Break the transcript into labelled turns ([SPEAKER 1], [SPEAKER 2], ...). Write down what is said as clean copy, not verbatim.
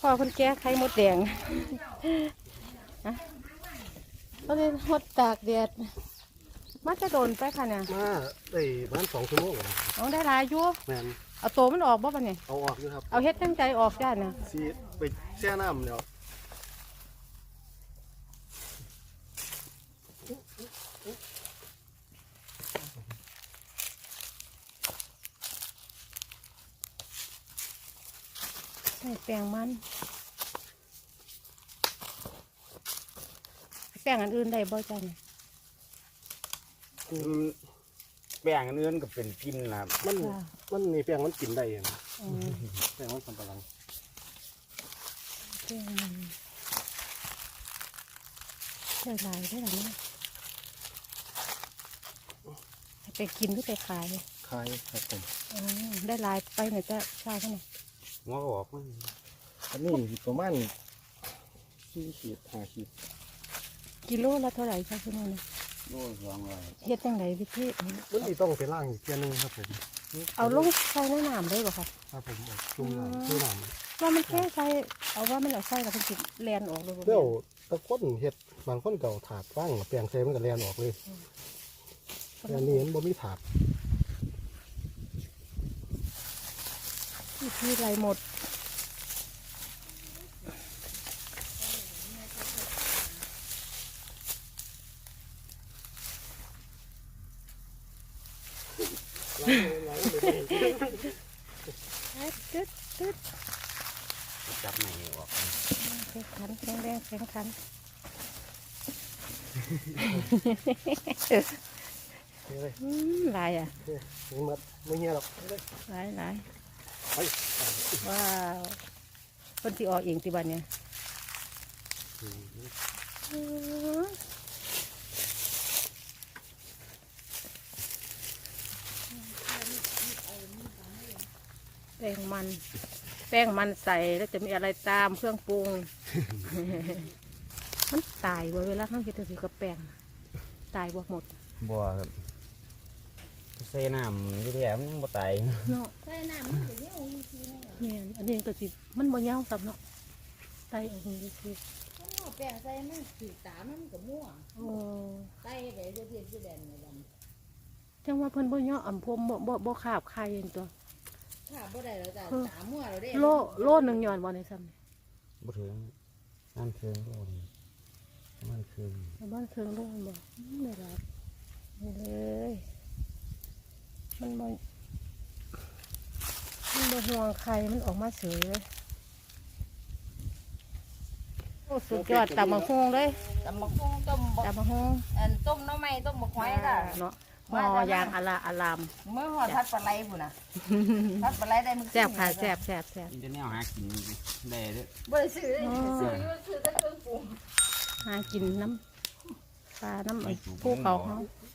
[SPEAKER 1] พ่อคนแก่ไข่มดแดงนะเขาเลยหดตากแดดมันจะโดนไปค่ะเนี่ย
[SPEAKER 2] มาได้บ้าน2 ชั่วโมง
[SPEAKER 1] เอาได้หลายอยู่
[SPEAKER 2] แม่น
[SPEAKER 1] เอาโตมันออกบ่ปะเนี่ย
[SPEAKER 2] เอาออกอยู่ครับ
[SPEAKER 1] เอาเฮ็ดตั้งใจออกจ้าเนี่ย
[SPEAKER 2] สิไปแช่น้ำเดี๋ยว
[SPEAKER 1] ใส่แป้งมันแป้งอันอื่นได้บ่จ้าเนี่ย
[SPEAKER 3] แป้งอันอื่นก็เป็นกินล่ะ
[SPEAKER 2] มันมีแป้งมันกินได้นะแป้งมันสำปะหลัง
[SPEAKER 1] แป้งมันได้หลายได้หลายเนี่ยไปกินหรือไปขาย
[SPEAKER 2] คายครับผม
[SPEAKER 1] ได้หลายไปไหนจะเช่าเท่าไหร่
[SPEAKER 3] หัวก็ออกมัน
[SPEAKER 2] อันนี้ประมาณ4 ขีด 5 ขีด
[SPEAKER 1] กิโลละเท่าไหร่คะคุณแม่
[SPEAKER 3] โล200
[SPEAKER 1] เฮ็ดยังไงวิธี
[SPEAKER 2] มันสิต้องไปล้างอีกเทีนึงครับผม
[SPEAKER 1] เอาลงใส่ในน้ำได้บ่ครับ
[SPEAKER 2] ครับผมจุ่มน้ำจุ่มน้ำ
[SPEAKER 1] ว่ามันแค่ใส่เอาว่ามันเอาใส่แล้วมันสิแล่นออกเลยบ่
[SPEAKER 2] เดี๋ยวตะก้นเฮ็ดบางคนเก่าถาดว่างแปลงใส่มันก็แล่นออกเลยแต่นี่มันบ่มีถาด
[SPEAKER 1] ที่ไรหมดตึ๊ด
[SPEAKER 3] จับไหนออก
[SPEAKER 1] แข็งขันแข็งแรงแข็งขันลายอ่ะ
[SPEAKER 2] ไม่เงี้ยหรอก
[SPEAKER 1] ลายว้าวคนที่ออกเองที่บ้านเนี่ยแป้งมันใส่แล้วจะมีอะไรตามเครื่องปรุงมันตายเวลาข้างกินถือกับแป้งตายหมด
[SPEAKER 3] บัวครับใส่น้ำที่แท้มันยังบ่ตาย
[SPEAKER 1] เนาะใส่น้ำมันจะเหี่ยวเนี่ยอันนี้ก็สิมันบ่เหี่ยวซ้ำเนาะตายออกนี่สิ
[SPEAKER 4] แป้งใส่มันสีตามันก็ม่วงใส่ไปเรื่อยๆแดงเลย
[SPEAKER 1] จังว่าเพิ่นบ่เหี่ยวอ่ำพวมบ่ขาบไข่เองตัว
[SPEAKER 4] ขาบ่ได้แล้วจ้ะตาม่วงเราได้
[SPEAKER 1] โลนึงย้อนบ่ในซ้
[SPEAKER 3] ำบ่ถึงน้ำเคืองโลนึงบ้านเคือง
[SPEAKER 1] โลบ่ไม่รับนี่เลยมันบ่ห่วงไข่มันออกมาเฉยเลยโอ้สุดยอดตำมะฮุ่งเลย
[SPEAKER 4] ตำมะฮุ่งต้มต้มน้ำไม้ต้มบกไม้ล่ะ
[SPEAKER 1] เนาะหม้อยางอลาม
[SPEAKER 4] เมื่อหอดทัดปลาไหลพุ่นน่ะทัดปลาไหลได้มึง
[SPEAKER 1] แซ่บค่ะแซ่บ
[SPEAKER 3] จะแนวหากินได้เด้อ
[SPEAKER 4] บ่ได้ซื้อแต่เครื่องปรุง
[SPEAKER 1] หากินน้ำปลาน้ำไอ้ภูเขา